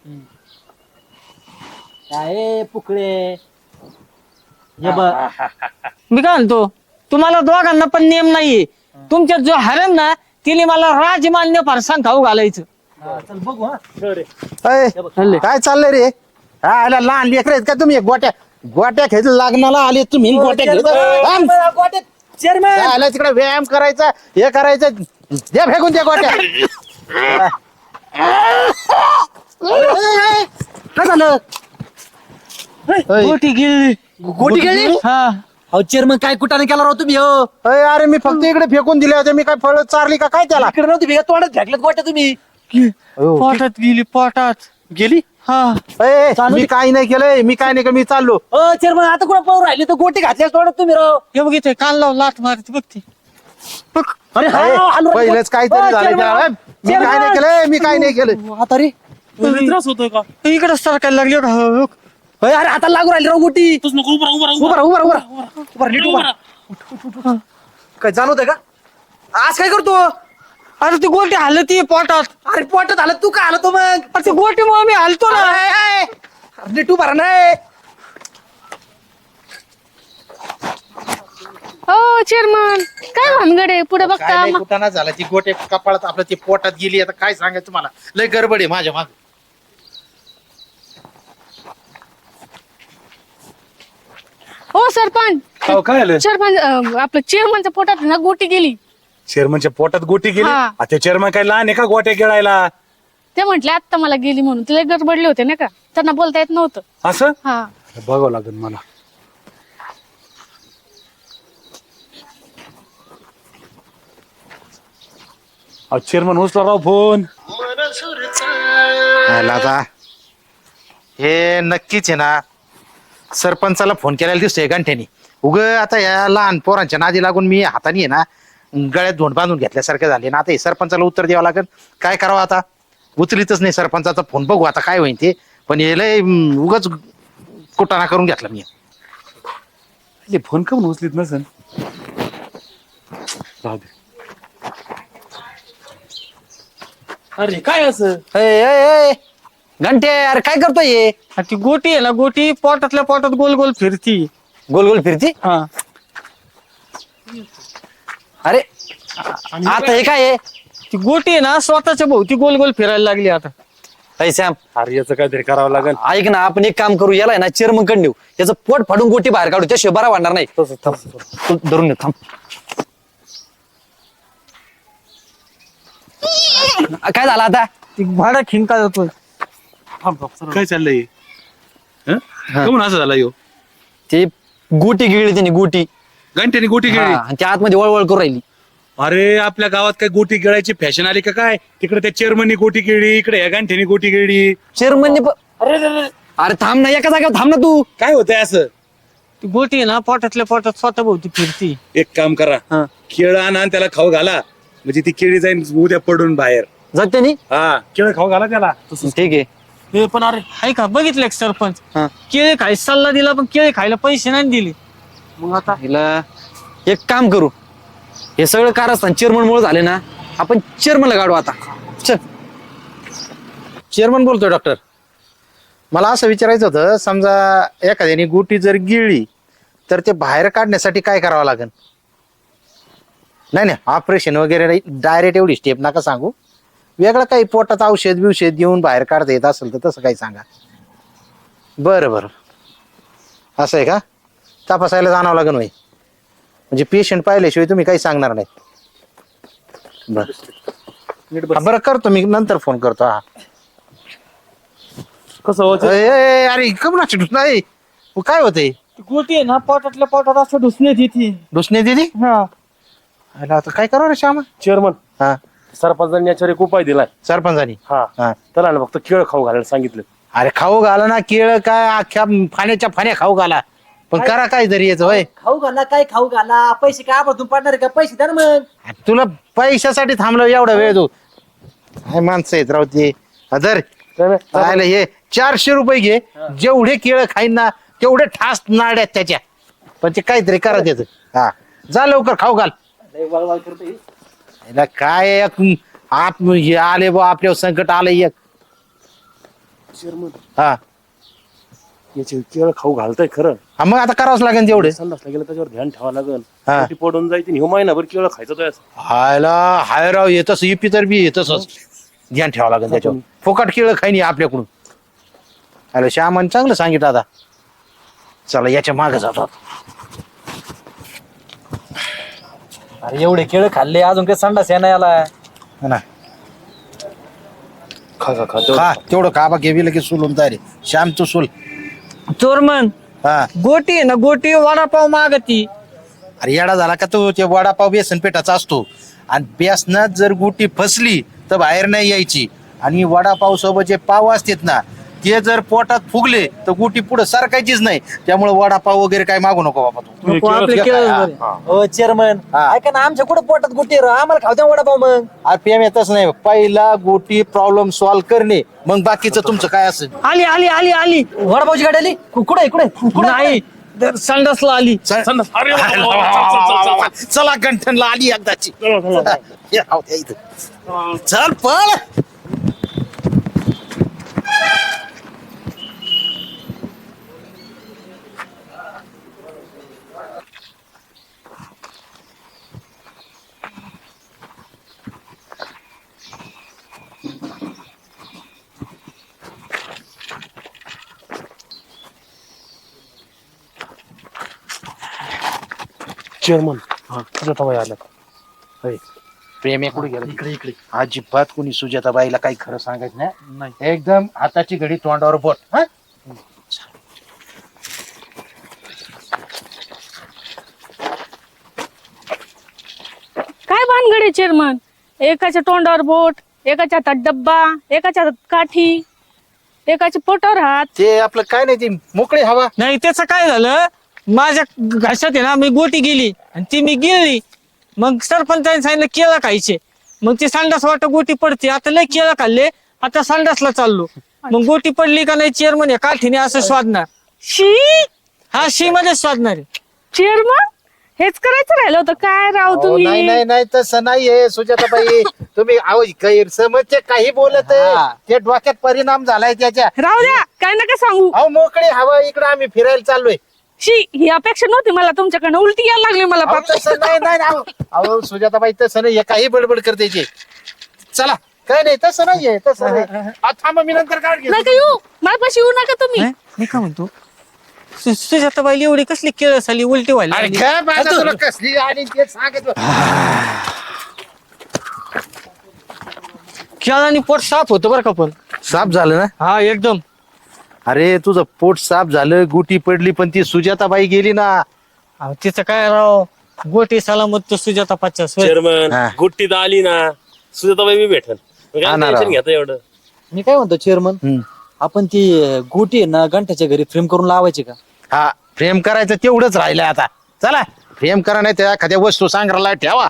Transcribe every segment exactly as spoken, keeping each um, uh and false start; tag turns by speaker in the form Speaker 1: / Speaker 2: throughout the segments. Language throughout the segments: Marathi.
Speaker 1: काय पुकळे हे बघ
Speaker 2: मी काय म्हणतो तुम्हाला दोघांना पण नियम नाहीये. तुमच्यात जो हरण ना तिने मला राजमान्य फरसाण खाऊ घालायचं.
Speaker 1: चल बघू हा
Speaker 3: अय, काय चाललंय रे? हा आला लहान लेकर आहेत का तुम्ही? गोट्या गोट्या खेळ लग्नाला आले तुम्ही गोट्या खेळत थांब.
Speaker 1: चेअरमॅन
Speaker 3: काय आलं तिकडे व्यायाम करायचा हे करायचं द्या फेकून द्या गोट्या.
Speaker 1: काय झालं
Speaker 3: अय,
Speaker 2: गोटी गिळली.
Speaker 1: गोटी गेली
Speaker 2: हा
Speaker 1: अहो चेअरमन काय कुठाने केला राव तुम्ही हो
Speaker 3: अय, अरे मी फक्त इकडे फेकून दिले होते. मी काय फळ चारली का काय त्याला?
Speaker 1: इकडे नव्हती भेट तोंडात फेकलेत गोट्या तुम्ही
Speaker 3: हो.
Speaker 2: पोटात गेली पोटात.
Speaker 1: गेली
Speaker 2: हा
Speaker 3: अय,
Speaker 1: चालू
Speaker 3: मी
Speaker 1: दे.
Speaker 3: काही नाही केलंय. मी काय नाही केलं. मी चाललो.
Speaker 1: अ चेअरमन आता कुठं पाहू राहिले तर गोटी घातल्या तोंडात तुम्ही राव
Speaker 2: हे बघितय कान लाव लाट मारते बघते बघ.
Speaker 1: अरे हा,
Speaker 3: अय,
Speaker 1: हलू राहिले.
Speaker 3: पहिलेच काहीतरी
Speaker 1: अ,
Speaker 3: झालं
Speaker 1: चेअरमन,
Speaker 3: त्याला. मी काय नाही केलंय. मी काय नाही केलं.
Speaker 1: आता रे
Speaker 2: त्रास होतोय का इकडे सरकायला लागले का हो, हो.
Speaker 1: अय, अरे आता लागू राहिली राव गोटी उभा राहा, उभा राहा, उभा राहा. उभा राहा, नीट उभा राहा. काय जाणवतंय का आज काय करतो
Speaker 2: अरे ती गोटी हलती पोटात.
Speaker 1: अरे पोटात आलं तू काय आलं तो मग
Speaker 2: अरे ती गोटीमुळे मी हलतो ना.
Speaker 1: अरे, अरे, अरे, नीट उभा राहा नाही
Speaker 4: हो चेअरमन काय भानगड आहे पुढे
Speaker 3: काय
Speaker 4: बघता
Speaker 3: नाही
Speaker 4: मा-
Speaker 3: कुठं झाला. ती गोट्या कपाळात आपलं ती पोटात गेली. आता काय सांगायचं तुम्हाला? लय गडबड आहे माझ्या माग.
Speaker 4: हो सरपंच
Speaker 5: हो काय आलं
Speaker 4: सरपंच अं, आपलं चेअरमनच्या पोटात ना गोटी गेली.
Speaker 5: चेअरमनच्या पोटात गोटी गेली.
Speaker 4: हा.
Speaker 5: आता चेअरमन काय लहान आहे का गोट्या गिळायला?
Speaker 4: ते म्हटले आता मला गेली म्हणून तिला गडबडले होते ना का त्यांना बोलता येत नव्हतं.
Speaker 5: असं
Speaker 4: हा
Speaker 5: बघावं लागेल मला. चेअरमन उचला राव फोन.
Speaker 3: आला आता हे नक्कीच आहे ना. सरपंचाला फोन केलेला दिसतोय गंठ्यानी. उग आता या लहान पोरांच्या नादी लागून मी हाताने आहे ना गळ्यात धोंड बांधून घेतल्यासारखे झाले ना. आता हे सरपंचाला उत्तर द्यावं लागेल. काय करावं आता? उचलीतच नाही सरपंचाचा फोन. बघू आता काय होईल ते. पण हे लय उगाच कुटाणा करून घेतला मी.
Speaker 5: ते फोन का म्हणून उचलीत नसेल? जाऊ दे.
Speaker 1: अरे काय असं घंटे अरे काय करतोय हे?
Speaker 2: अरे ती गोटी आहे ना गोटी पोटातल्या पोटात गोल गोल फिरती.
Speaker 1: गोल गोल फिरती
Speaker 2: हा
Speaker 1: अरे आता हे काय आहे
Speaker 2: ती गोटी आहे ना स्वतःच्या भोवती गोल गोल फिरायला लागली आता.
Speaker 1: पैसा
Speaker 5: अरे याचं काहीतरी करावं लागेल.
Speaker 1: ऐक ना आपण एक काम करू याला आहे ना चेअरमन कडे नेऊ याचं पोट फाडून गोटी बाहेर काढू त्याशिवाय बरा वाढणार नाही. तू धरून घे, थांब काय झालं आता
Speaker 2: ती भाडा खिंका जातोय.
Speaker 5: काय चाललंय? हं? का म्हणून असं झालं यो?
Speaker 1: ते गोटी गिळली त्यांनी गोटी
Speaker 5: घंट्याने गोटी
Speaker 1: हा,
Speaker 5: गिळली.
Speaker 1: आणि त्या आतमध्ये वळवळ करू राहिली.
Speaker 5: अरे आपल्या गावात काय गोटी गिळायची फॅशन आली का काय? तिकडे त्या चेअरमननी गोटी गिळली, इकडे या घंट्याने गोटी गिळली.
Speaker 1: चेअरमनने प- अरे थांब ना एका जागेवर थांब ना तू.
Speaker 5: काय होतंय असं?
Speaker 2: ती गोटी आहे ना पोटातल्या पोटात स्वतः भोवती फिरती.
Speaker 5: एक काम करा,
Speaker 2: हा.
Speaker 5: केळं आणा आणि त्याला खाऊ घाला. म्हणजे ती केळी जाईन उद्या पडून बाहेर.
Speaker 1: जाते नी
Speaker 5: हा केळं खाऊ घाला त्याला.
Speaker 1: ठीक आहे.
Speaker 2: हे पण अरे हाय का बघितलं का सरपंच
Speaker 1: हा.
Speaker 2: केळी खायला सल्ला दिला पण केळी खायला पैसे नाही दिले. मग आता
Speaker 1: हिला एक काम करू हे सगळं कारस्थान चेअरमन मुळे झाले ना आपण चेअरमनला काढू आता. चल
Speaker 3: चेअरमन बोलतोय डॉक्टर. मला असं विचारायचं होतं, समजा एखाद्याने गुटी जर गिळली तर ते बाहेर काढण्यासाठी काय करावं लागेल? नाही नाही ऑपरेशन वगैरे नाही, डायरेक्ट एवढी स्टेप नका सांगू. वेगळं काही पोटात औषध बिवषध देऊन बाहेर काढता येत असेल तर तसं काही सांगा. बरं बरं असं आहे का? तपासायला जाणावं लागेल होय. म्हणजे पेशंट पाहिल्याशिवाय तुम्ही काही सांगणार नाही. बरं हा, बरं करतो मी नंतर फोन करतो. हा
Speaker 5: कसं होत?
Speaker 3: अय, अय, अरे कमनाची ढुस नाही काय होतंय?
Speaker 2: ती गोटी आहे ना पोटातल्या पोटात असं ढुसण्यात येते.
Speaker 3: ढुसणे दिली?
Speaker 2: हा
Speaker 3: अरे आता काय करावं रे श्यामा?
Speaker 6: चेअरमन
Speaker 3: हा
Speaker 6: सरपंचांनी याच्यावर एक उपाय दिलाय.
Speaker 3: सरपंचानी
Speaker 6: हा
Speaker 3: हा
Speaker 6: त्याला ना फक्त केळ खाऊ घालायला सांगितलं.
Speaker 3: अरे खाऊ घाला ना केळ काय अख्ख्या फाण्याच्या फाण्या खाऊ घाला. पण करा काहीतरी याचं होय.
Speaker 1: खाऊ घाला काय खाऊ घाला पैसे काय आपण पडणार का पैसे द्या ना मग.
Speaker 3: तुला पैशासाठी थांबलो एवढा वेळ तू? काय माणसं आहेत राव ते. अदर राहिलं हे चारशे रुपये घे. जेवढे केळ खाईन ना तेवढे ठास नाड्यात त्याच्या. पण ते काहीतरी करा त्याच. हा जा लवकर खाऊ घाल. याला काय एक आत हे आले बा आपल्यावर संकट आलं एक. हा
Speaker 6: याचे केळ खाऊ घालताय खरं.
Speaker 3: हा, मग आता करावंच लागेल तेवढे.
Speaker 6: संडासला गेलं त्याच्यावर ध्यान ठेवावं लागेल.
Speaker 3: हा.
Speaker 6: पोटी पडून जायची ह्यो महिनाभर केळ खायचं तो.
Speaker 3: हायला हाय राव येतच इपी तर बी येतच ध्यान ठेवावं लागेल त्याच्यावर. फुकट केळ खाईनी आपल्याकडून. अरे श्यामान चांगलं सांगितलं आता. चला याच्या मागे जातात.
Speaker 1: अरे एवढे केळ खाल्ले अजून काही संडास आहे ना याला.
Speaker 3: हा ना
Speaker 6: खा खा खा तेवढं.
Speaker 3: हा तेवढं काबा घेवी लगेच सोलून तयारी. श्याम तू सोल.
Speaker 2: चोरमन
Speaker 3: हा
Speaker 2: गोटी आहे ना गोटी वडापाव मागती.
Speaker 3: अरे येडा झाला का तू? ते वडापाव बेसन पेठाचा असतो आणि बेसनात जर गुटी फसली तर बाहेर नाही यायची. आणि वडापाव सोबत जे पाव असतात ना ते जर पोटात फुगले तर गुटी पुढे सारखायचीच नाही. त्यामुळे वडापाव वगैरे काय मागू नको बाबा तू.
Speaker 2: नको, आपले केळच बरे.
Speaker 1: हो चेअरमन
Speaker 3: हा.
Speaker 1: ऐका ना आमच्या कुठं पोटात गुटी आहे, आम्हाला खाऊ द्या वडापाव मग.
Speaker 3: अरे पी एम येतच नाही. पहिला गोटी प्रॉब्लेम सॉल्व्ह करणे मग बाकीचं तुमचं काय असेल.
Speaker 2: आली आली आली आली.
Speaker 1: वडापावची गाडी आली कु- कुठे कुठे कुठे
Speaker 2: नाही तर संडासला आली.
Speaker 6: संडास. अरे वा, वा, वा, वा, चल, चल, चल, चल.
Speaker 3: चला गंठनला आली एकदाची.
Speaker 6: चला, चला, चला.
Speaker 3: हे राहू द्या इथं. चल पळ.
Speaker 6: चेअरमन सुजाताबाई आल्या.
Speaker 3: प्रेम कुठे गेला? इकडे इकडे. अजिबात कोणी सुजाताबाईला काही खरं सांगायचं नाही. एकदम हाताची घडी तोंडावर बोट. हा
Speaker 4: काय भानगडे चेअरमन, एकाच्या तोंडावर बोट, एकाच्या हातात डब्बा, एकाच्या हातात काठी, एकाच्या पोटावर हात.
Speaker 3: ते आपलं काय नाही ती मोकळी हवा.
Speaker 2: नाही त्याचं काय झालं माझ्या घशात आहे ना मी गोटी गेली आणि ती मी गिळली. मग सरपंचाने सांगितलं केळं खायचे. मग ती संडास वाटत गोटी पडते. आता लय केळं खाल्ले आता संडासला चाललो. मग गोटी पडली का नाही चेअरमन या काठीने असं स्वादणार.
Speaker 4: शी
Speaker 3: हो,
Speaker 2: हा शी मध्ये स्वादणार आहे.
Speaker 4: चेअरमन हेच करायचं राहिलं होतं काय राव
Speaker 3: अहो, नाही
Speaker 4: तुम्ही.
Speaker 3: नाही नाही तसं नाहीये सुजाताबाई. तुम्ही अहो गैरसमजचे काही बोलत आहे.
Speaker 1: हा.
Speaker 3: ते डोक्यात परिणाम झालाय त्याच्या.
Speaker 4: राहू द्या काय नका सांगू.
Speaker 3: अहो मोकळी हवा इकडे आम्ही फिरायला चाललोय.
Speaker 4: शी ही अपेक्षा नव्हती मला तुमच्याकडनं, उलटी यायला लागली मला
Speaker 3: अहो,
Speaker 4: पाप.
Speaker 3: तसं नाही नाही अहो. अहो सुजाताबाई तसं नाही. हे काही बडबड करते ते. चला काय नाही तसं नाहीये तसं नाही. अहो, थांबा मी नंतर काढ घेतो.
Speaker 4: नका येऊ माझ्यापाशी येऊ नका तुम्ही.
Speaker 2: हं? मी काय म्हणतो सु- सुजाताबाईला एवढी कसली केळं झाली उलटी व्हायला
Speaker 3: अरे
Speaker 2: लागली?
Speaker 3: काय बाबा तुला कसली आणि ते सांगत बस.
Speaker 2: केळाने पोट साफ होतं बरं का पण.
Speaker 3: साफ झालं ना?
Speaker 2: हा एकदम.
Speaker 3: अरे तुझं पोट साफ झालं गुटी पडली पण ती सुजाताबाई गेली ना.
Speaker 2: अहो, तिचं काय राव गोटी सलामत तो सुजाता पाचच्या सोय.
Speaker 6: चेअरमन
Speaker 3: हा.
Speaker 6: गुट्टीत आली ना सुजाताबाई मी भेटल.
Speaker 3: हा ना राव.
Speaker 6: टेन्शन घेता एवढं.
Speaker 1: मी काय म्हणतो चेअरमन,
Speaker 3: हम्म.
Speaker 1: आपण ती गोटी आहे ना घंट्याच्या घरी फ्रेम करून लावायची का?
Speaker 3: हा फ्रेम करायचं तेवढंच राहिलं आता. चला फ्रेम करा नाही त्या एखाद्या वस्तू संग्रहालयाला ठेवा.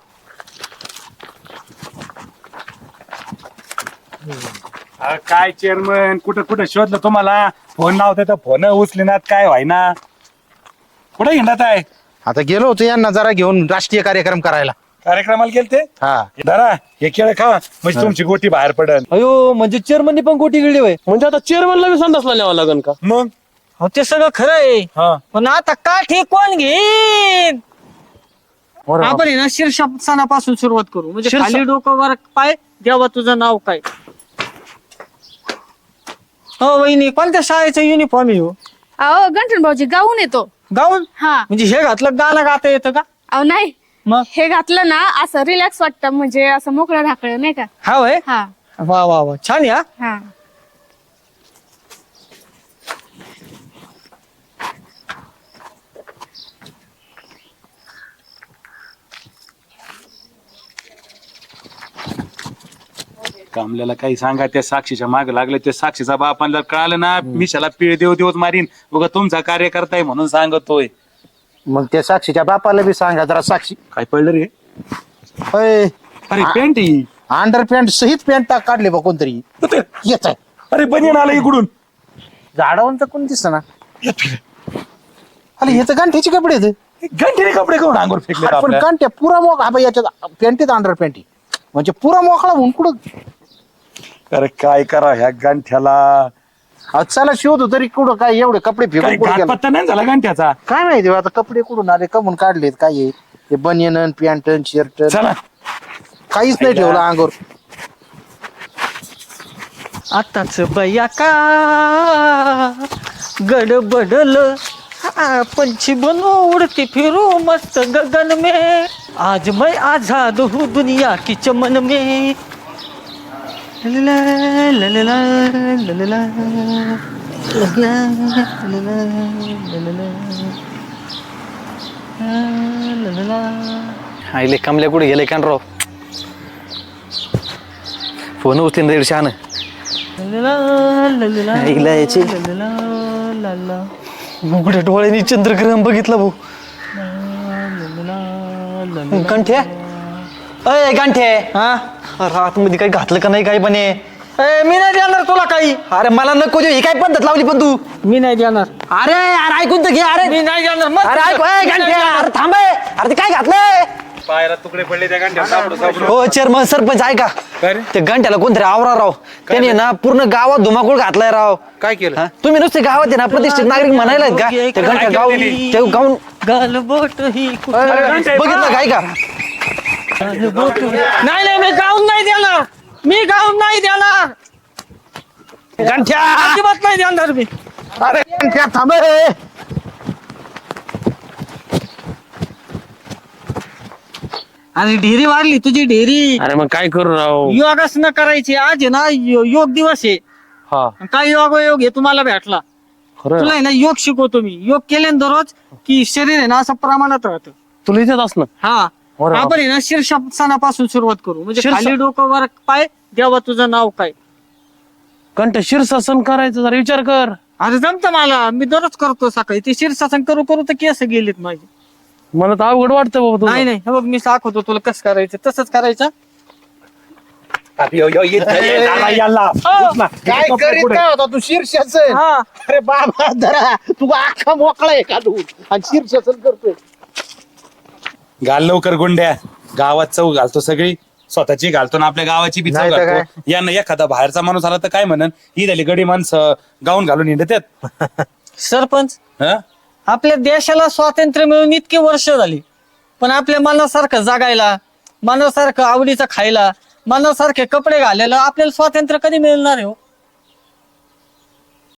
Speaker 5: अरे काय चेअरमन कुठं कुठं शोधलं तुम्हाला? फोन लावते तर फोन उचलेनात काय व्हायना. कुठे हिंडत आहे?
Speaker 3: आता गेलो होतो यांना जरा घेऊन राष्ट्रीय कार्यक्रम करायला.
Speaker 5: कार्यक्रमाला गेलते.
Speaker 3: हा
Speaker 5: धरा हे केळ खा म्हणजे तुमची गोटी बाहेर पडल.
Speaker 1: अयो म्हणजे चेअरमननी पण गोटी गिळली होय.
Speaker 6: म्हणजे आता चेअरमनला बी संडासला न्यावं लागेल का?
Speaker 5: मग
Speaker 2: हो ते सगळं खरं आहे
Speaker 5: हा
Speaker 2: पण आता काठी कोण घेईन? आपण आहे ना शीर्षासनापासून सुरुवात करू. म्हणजे खाली डोकं वर पाय देवा तुझं नाव काय. हो वहिनी कोणत्या शाळेचा युनिफॉर्म आहे हो?
Speaker 4: अहो गंठन भाऊजी गाऊन येतो.
Speaker 2: गाऊन
Speaker 4: हा
Speaker 2: म्हणजे हे घातलं गाणं गाता येतं का?
Speaker 4: अहो नाही
Speaker 2: मग
Speaker 4: हे घातलं ना असं रिलॅक्स वाटतं, म्हणजे असं मोकळं ढाकळं नाही का.
Speaker 2: हा वय
Speaker 4: हा
Speaker 2: वा वा वा छान या.
Speaker 4: हा
Speaker 5: कामल्याला काही सांगा त्या साक्षीच्या माग लागले. त्या साक्षीचा बापाला कळालं ना मिशाला पीळ देव देवच मारीन. बघा तुमचा कार्य करताय म्हणून सांगतोय.
Speaker 3: मग त्या साक्षीच्या बापाला बी सांगा जरा. साक्षी
Speaker 5: काय पडलं रे?
Speaker 3: अय,
Speaker 5: अरे पॅन्ट ही.
Speaker 3: अंडर पॅन्ट सहित पॅन्ट टाक काढले बा कोणतरी. येत आहे
Speaker 5: अरे बनियन आला इकडून.
Speaker 3: झाडावरचं कोण दिसत ना. अरे हे तर गांठ्याचे कपडे आहेत.
Speaker 5: घंटेने कपडे करून अंगोर फेकले
Speaker 3: पण
Speaker 5: आपल्या.
Speaker 3: गांठ्या पुरा मोक हा बाई याच्यात पॅन्टीत अंडर पॅन्टी म्हणजे पुरा मोकळा होऊन कुठं.
Speaker 5: अरे काय करा ह्या गांठ्याला.
Speaker 3: अहो, चला शोधू तरी कुठं काय एवढे कपडे
Speaker 5: काही
Speaker 3: फेकून कुठं
Speaker 5: घात
Speaker 3: गेला?
Speaker 5: पत्ता नाही झाला घंट्याचा.
Speaker 3: काय माहिती बा, आता कपडे कुठून आले कमून काढलेत काय आहे? ते बनियन पॅन्ट शर्ट
Speaker 5: चला
Speaker 3: काहीच नाही ठेवलं अंगावर.
Speaker 2: आताच बया का गडबडल पंछी बनो उड़ती फिरू मस्त गगन में आज मैं आजाद हूँ दुनिया की चमन में ललला, ललला, ललला, ललला, ललला, ललला, ललला.
Speaker 1: आईले कमल्या कुठे गेले कान राव फोन उचलीन रेड शहाण आईला याची उघड्या डोळ्यांनी चंद्रग्रहण बघितलं भाऊ गांठ्या अय गांठ्या
Speaker 2: हा
Speaker 1: रात मध्ये काही घातलं का नाही काही पण हे?
Speaker 2: ए, मी नाही देणार तुला काही.
Speaker 1: अरे मला नको देऊ, ही काय पद्धत लावली पण तू.
Speaker 2: मी नाही देणार.
Speaker 1: अरे अरे ऐकून तर घे. अरे
Speaker 2: मी नाही देणार मग.
Speaker 1: अरे ऐक ए, गांठ्या, अरे थांब ए. अरे ते काय घातलंय?
Speaker 5: पायला तुकडे पडले त्या घंट्या सापडू सापडू.
Speaker 1: हो चेअरमन सरपंच ऐका
Speaker 5: काय रे?
Speaker 1: ते घंट्याला कोणतरी आवरा राव त्याने ना पूर्ण गावात धुमाकूळ घातलाय राव.
Speaker 3: काय केलं?
Speaker 1: हा? तुम्ही नुसते गावात आहे ना प्रतिष्ठित नागरिक म्हणायला का ते घंटा गाव ते गाऊन
Speaker 2: गालबोट ही कुठे-
Speaker 1: बघितलं काय का?
Speaker 2: गालबोट ही- नाही नाही मी गाऊन नाही देणार. मी गाऊन नाही देणार.
Speaker 1: गंठ्या
Speaker 2: अजिबात नाही देणार मी.
Speaker 3: अरे गंठ्या थांब ए.
Speaker 2: आणि ढेरी वाढली तुझी ढेरी.
Speaker 6: अरे मग काय करू राव?
Speaker 2: योगासनं करायची. आज आहे ना यो- योग दिवस आहे.
Speaker 6: हा
Speaker 2: काय योग योग आहे तुम्हाला भेटला.
Speaker 6: खरं
Speaker 2: तुला आहे ना योग शिकवतो मी. योग केले ना दररोज की शरीर आहे ना असं प्रमाणात राहतं.
Speaker 6: तुला इथेच असणं.
Speaker 2: हा
Speaker 6: अरे
Speaker 2: आपण आहे ना शीर्षासनापासून सुरुवात करू. म्हणजे
Speaker 6: शीर्ष-
Speaker 2: खाली डोकं वर पाय देवा तुझं नाव काय.
Speaker 6: कंठ शीर्षासन करायचं जरा विचार कर.
Speaker 2: अरे जमतं मला. मी दररोज करतो सकाळी. ते शीर्षासन करू करू तर केस गेलेत माझे.
Speaker 6: मला तर अवघड वाटतं बाबा तुला.
Speaker 2: नाही नाही हे बघ मी दाखवतो तुला कसं करायचं. तसंच करायचं.
Speaker 5: यो, यो, येत नाही, येत नाही, याला.
Speaker 3: काय करीत काय होता तू शीर्षासन?
Speaker 2: हा
Speaker 3: अरे बाबा धरा तू अख्खा मोकळा आहे का तू आणि शीर्षासन करतोय.
Speaker 5: घाल लवकर गुंड्या. गावात चौ घालतो सगळी. स्वतःची घालतो ना आपल्या गावाची बी चौ
Speaker 3: नाही तर
Speaker 5: घालतो. यांना एखादा बाहेरचा माणूस आला तर काय म्हणन ही झाली गडी माणसं गाऊन घालून हिंडतात.
Speaker 2: सरपंच
Speaker 5: हं?
Speaker 2: आपल्या देशाला स्वातंत्र्य मिळून इतकी वर्ष झाली पण आपल्या मनासारखं जगायला मनासारखं आवडीचं खायला मनासारखे कपडे घालायला आपल्याला स्वातंत्र्य कधी मिळणार आहे हो?